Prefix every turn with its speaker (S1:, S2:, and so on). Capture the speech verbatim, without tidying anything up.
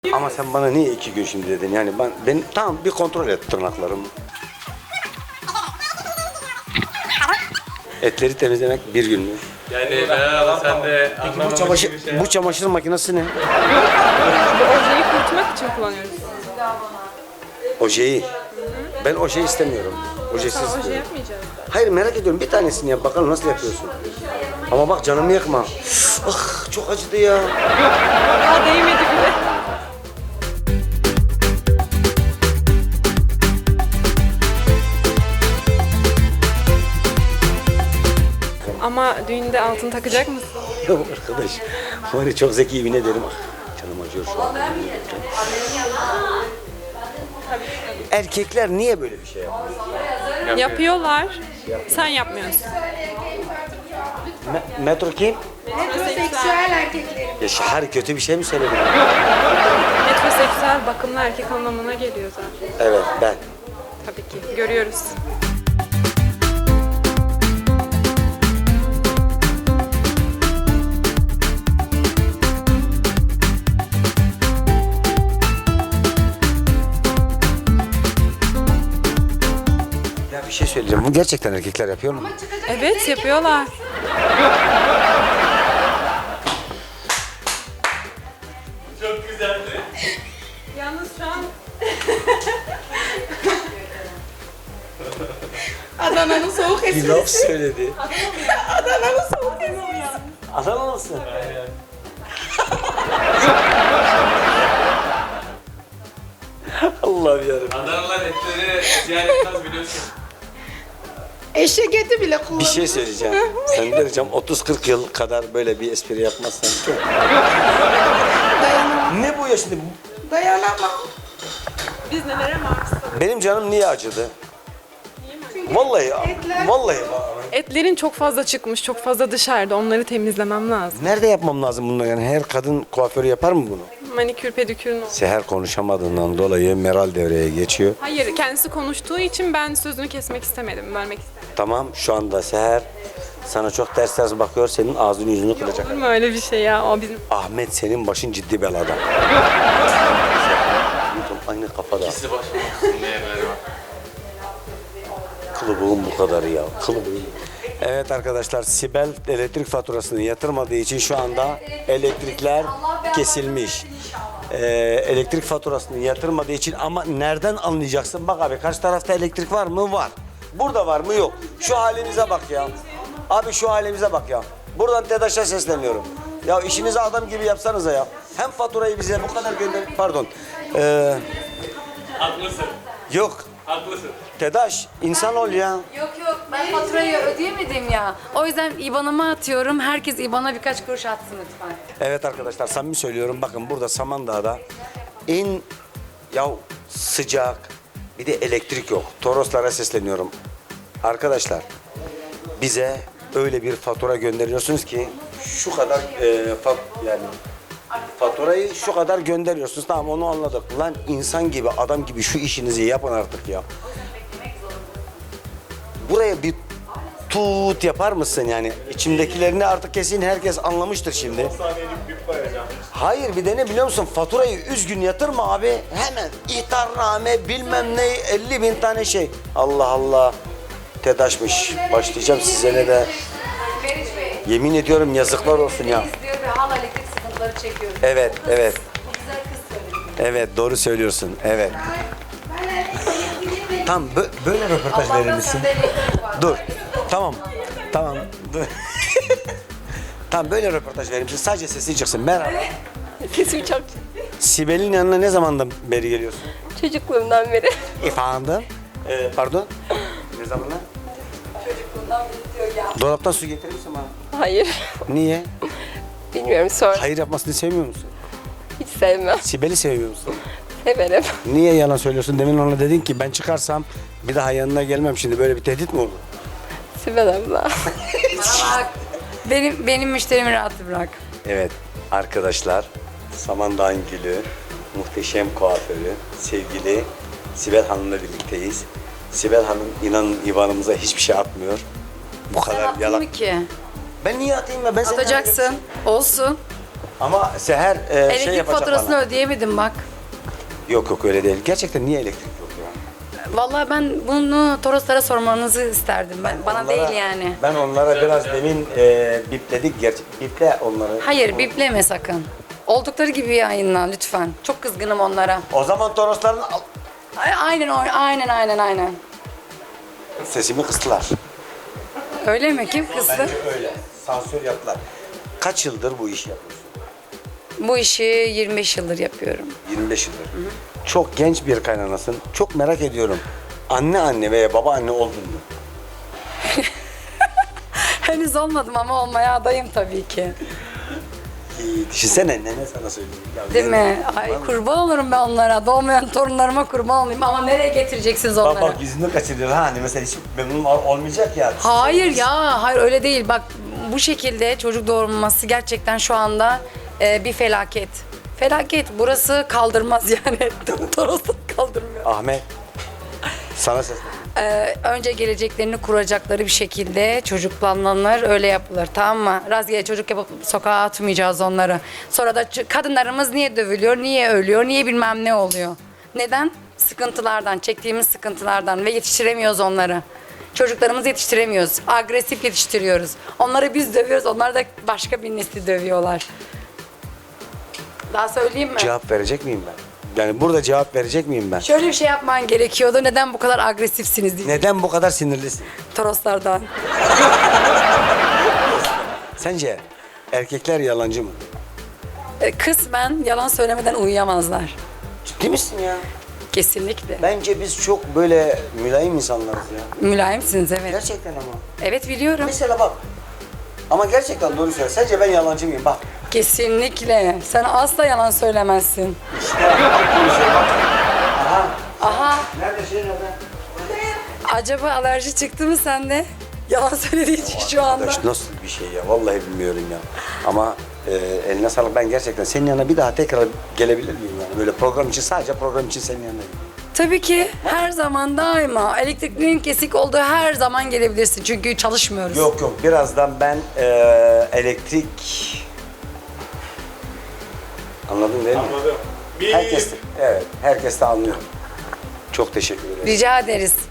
S1: Ama sen bana niye iki gün şimdi dedin? Yani ben, ben tamam bir kontrol et tırnaklarımı. Etleri temizlemek bir gün mü?
S2: Yani merhaba sen de
S1: Bu
S2: anlamamış
S1: çamaşır,
S2: bir şey.
S1: bu çamaşır makinesi ne?
S3: Bu ojeyi kurutmak için kullanıyoruz.
S1: Ojeyi. Ben oje istemiyorum. Ojesiz
S3: Tamam, oje
S1: istiyorum.
S3: yapmayacağız.
S1: Hayır merak ediyorum bir tanesini yap bakalım nasıl yapıyorsun. Ama bak canımı yakma. Ah çok acıdı ya.
S3: Daha değmedi bile. Ama düğünde altın takacak mısın?
S1: Ya arkadaş var ya çok zeki yemin ederim. Ah, canım acıyor şu an. Erkekler niye böyle bir şey yapıyor?
S3: Yapıyorlar. Sen yapmıyorsun.
S1: Me- metro kim?
S4: Metroseksüel erkeklerin.
S1: Ya Şahar kötü bir şey mi söyledin?
S3: Metroseksüel bakımlı erkek anlamına geliyor zaten.
S1: Evet ben.
S3: Tabii ki. Görüyoruz.
S1: Ya bir şey söyleyeceğim. Bu gerçekten erkekler yapıyor mu?
S3: Evet, yapıyorlar.
S2: Çok güzeldi.
S3: Yalnız şu an
S4: Adana'nın soğuk
S1: Bir
S4: esprisi.
S1: laf söyledi.
S4: Adana'nın soğuk esprisi.
S1: Adana mısın? Allah'ım yarabbim.
S2: Adanalılar etleri ziyaret etmez biliyorsun.
S4: Eşek eti bile kullanıyor.
S1: Bir şey söyleyeceğim. Sen vereceğim otuz kırk yıl kadar böyle bir espri yapmazsan.
S4: Dayanamam.
S1: Ne bu ya şimdi?
S4: Dayanamam.
S3: biz nelere maruz?
S1: Benim canım niye acıdı? Vallahi,
S4: etler-
S1: vallahi. bak.
S3: Etlerin çok fazla çıkmış, çok fazla dışarıda. Onları temizlemem lazım.
S1: Nerede yapmam lazım bunu yani? Her kadın kuaförü yapar mı bunu?
S3: Manikür, pedikürün.
S1: Seher konuşamadığından dolayı Meral devreye geçiyor.
S3: Hayır, kendisi konuştuğu için ben sözünü kesmek istemedim, bölmek istemedim.
S1: Tamam şu anda Seher sana çok ters ters bakıyor. Senin ağzını yüzünü kıracak.
S3: Olur mu öyle bir şey ya? O bizim...
S1: Ahmet senin başın ciddi belada. Aynı kafada.
S2: İkisi başlamasın diye böyle bak.
S1: Kılıbığım bu kadar ya. Kılıbığım. Evet arkadaşlar Sibel elektrik faturasını yatırmadığı için şu anda elektrikler kesilmiş. Ee, elektrik faturasını yatırmadığı için ama nereden anlayacaksın? Bak abi karşı tarafta elektrik var mı? Var. Burada var mı? Yok. Şu halimize bak ya. Abi şu halimize bak ya. Buradan TEDAŞ'a sesleniyorum. Ya işinizi adam gibi yapsanıza ya. Hem faturayı bize bu kadar gönder... Pardon. Ee,
S2: Haklısın.
S1: yok.
S2: Haklısın.
S1: TEDAŞ insan ol ya.
S5: Yok yok ben faturayı ödeyemedim ya. O yüzden İBAN'ıma atıyorum. Herkes İBAN'a birkaç kuruş atsın lütfen.
S1: Evet arkadaşlar samimi söylüyorum bakın burada Samandağ'da en ya sıcak bir de elektrik yok. Toroslara sesleniyorum. Arkadaşlar bize öyle bir fatura gönderiyorsunuz ki şu kadar e, fat, yani faturayı şu kadar gönderiyorsunuz. Tamam onu anladık. Lan insan gibi adam gibi şu işinizi yapın artık ya. Buraya bir tut yapar mısın yani? İçimdekilerini artık kesin herkes anlamıştır şimdi. Hayır bir de ne biliyor musun? Faturayı üzgün yatırma abi. Hemen ihtarname bilmem ne elli bin tane şey. Allah Allah. TEDAŞ'mış. Başlayacağım size ne de.
S5: Meriç Bey.
S1: Yemin ediyorum yazıklar olsun ya.
S5: İzliyor ve hala elektrik sıkıntıları çekiyor.
S1: Evet, evet.
S5: Bu güzel kız söyledi.
S1: Evet doğru söylüyorsun. Evet. Tam bö- böyle röportaj verir
S5: Allah'tan
S1: misin?
S5: sende elektrik var.
S1: Dur. Tamam. Tamam. Dur. Tamam böyle röportaj verir misin? Sadece sesin çıksın. Merhaba.
S6: Sesim çok
S1: Sibel'in yanına ne zamandan beri geliyorsun?
S6: çocukluğumdan beri.
S1: Efendim? Ee, pardon? Ne zamandan?
S5: Çocukluğundan beri diyor ya.
S1: Dolaptan su getirir misin bana?
S6: Hayır.
S1: Niye?
S6: Bilmiyorum sonra.
S1: Hayır yapmasını sevmiyor musun?
S6: Hiç sevmem.
S1: Sibel'i seviyor musun?
S6: Severim.
S1: Niye yalan söylüyorsun? Demin ona dedin ki ben çıkarsam bir daha yanına gelmem şimdi. Böyle bir tehdit mi oldu?
S6: Sibel abla.
S5: Bana bak. Benim, benim müşterimi rahat bırak.
S1: Evet arkadaşlar Samandağ'ın gülü, muhteşem kuaförü, sevgili Sibel Hanım'la birlikteyiz. Sibel Hanım inanın İvan'ımıza hiçbir şey atmıyor. Bu
S5: Sen
S1: kadar
S5: attın
S1: yalan.
S5: mı ki?
S1: Ben niye atayım ya? Ben seni
S5: Atacaksın. Olsun.
S1: Ama Seher e, şey
S5: Elektrik
S1: yapacak
S5: faturasını
S1: bana.
S5: ödeyemedim bak.
S1: Yok yok öyle değil. Gerçekten niye elektrik yok ya?
S5: Vallahi ben bunu Toroslara sormanızı isterdim. Ben, bana
S1: Onlara-
S5: değil yani.
S1: Ben onlara biraz demin e, bipledik. Gerçi biple onları.
S5: Hayır, bipleme sakın. Oldukları gibi yayınla lütfen. Çok kızgınım onlara.
S1: O zaman Torosların al-
S5: Ay- Aynen o- aynen aynen aynen.
S1: sesimi kıstılar.
S5: Öyle mi? Kim kızdı?
S1: Bence öyle. Sansür yaptılar. Kaç yıldır bu işi yapıyorsun?
S5: Bu işi yirmi beş yıldır yapıyorum.
S1: yirmi beş yıldır. Çok genç bir kaynanasın. Çok merak ediyorum. Anne anne veya baba anne oldun mu?
S5: Henüz olmadım ama olmaya adayım tabii ki.
S1: Ee, düşünsene nene sana söyleyeyim. Ya
S5: Değil
S1: nene,
S5: mi? Ay kurban olurum ben onlara. Doğmayan torunlarıma kurban olayım. Ama nereye getireceksiniz
S1: Bak
S5: onları?
S1: bak yüzünü kaçırıyor ha hani mesela hiç memnun ol- olmayacak ya.
S5: Hayır ya, hayır öyle değil. Bak bu şekilde çocuk doğurması gerçekten şu anda e, bir felaket. Felaket. Burası kaldırmaz yani. Toros'u kaldırmıyor.
S1: Ahmet sana ses.
S5: Ee, önce geleceklerini kuracakları bir şekilde çocuklananlar öyle yapılır, tamam mı? Rastgele çocuk yapıp sokağa atmayacağız onları. Sonra da ç- kadınlarımız niye dövülüyor, niye ölüyor, niye bilmem ne oluyor? Neden? Sıkıntılardan, çektiğimiz sıkıntılardan ve yetiştiremiyoruz onları. Çocuklarımızı yetiştiremiyoruz, agresif yetiştiriyoruz. Onları biz dövüyoruz, onlar da başka bir nesli dövüyorlar. Daha söyleyeyim mi?
S1: Cevap verecek miyim ben? Yani burada cevap verecek miyim ben?
S5: Şöyle bir şey yapman gerekiyordu. Neden bu kadar agresifsiniz diye.
S1: Neden bu kadar sinirlisin?
S5: Toroslardan.
S1: Sence erkekler yalancı mı?
S5: E, Kısmen yalan söylemeden uyuyamazlar.
S1: Ciddi misin ya?
S5: Kesinlikle.
S1: Bence biz çok böyle mülayim insanlarız ya.
S5: Mülayimsiniz evet.
S1: Gerçekten ama.
S5: Evet biliyorum.
S1: Mesela bak. Ama gerçekten doğru söylüyorsun. Sence ben yalancı mıyım? Bak.
S5: Kesinlikle. Sen asla yalan söylemezsin.
S1: Aha.
S5: Aha.
S1: Nerede şey nerede?
S5: Acaba alerji çıktı mı sende? Yalan söylediği için şu anda.
S1: Arkadaş nasıl bir şey ya? Vallahi bilmiyorum ya. Ama e, eline sağlık. Ben gerçekten senin yanına bir daha tekrar gelebilir miyim yani? Böyle program için, sadece program için senin yanına gideyim.
S5: Tabii ki her zaman daima elektriklerin kesik olduğu her zaman gelebilirsin. Çünkü çalışmıyoruz.
S1: Yok yok. Birazdan ben e, elektrik... Anladın değil mi?
S2: Anladım. Bir
S1: Herkes, evet. Herkes de anlıyor. Çok teşekkür ederim.
S5: Rica ederiz.